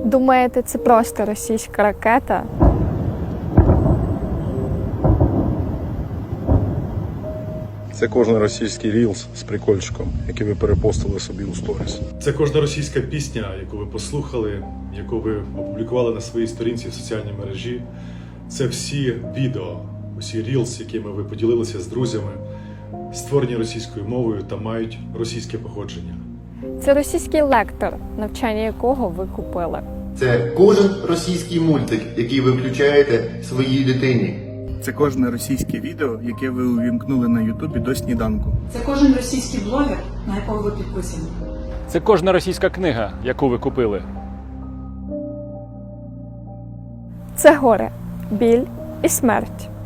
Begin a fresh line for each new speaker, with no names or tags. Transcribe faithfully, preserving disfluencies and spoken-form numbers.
Думаєте, це просто російська ракета?
Це кожен російський рілс з прикольчиком, який ви перепостили собі у сторіс.
Це кожна російська пісня, яку ви послухали, яку ви опублікували на своїй сторінці в соціальній мережі. Це всі відео, усі рілс, якими ви поділилися з друзями, створені російською мовою та мають російське походження.
Це російський лектор, навчання якого ви купили.
Це кожен російський мультик, який ви включаєте своїй дитині.
Це кожне російське відео, яке ви увімкнули на Ютубі до сніданку.
Це кожен російський блогер, на якого ви підписані.
Це кожна російська книга, яку ви купили.
Це горе, біль і смерть.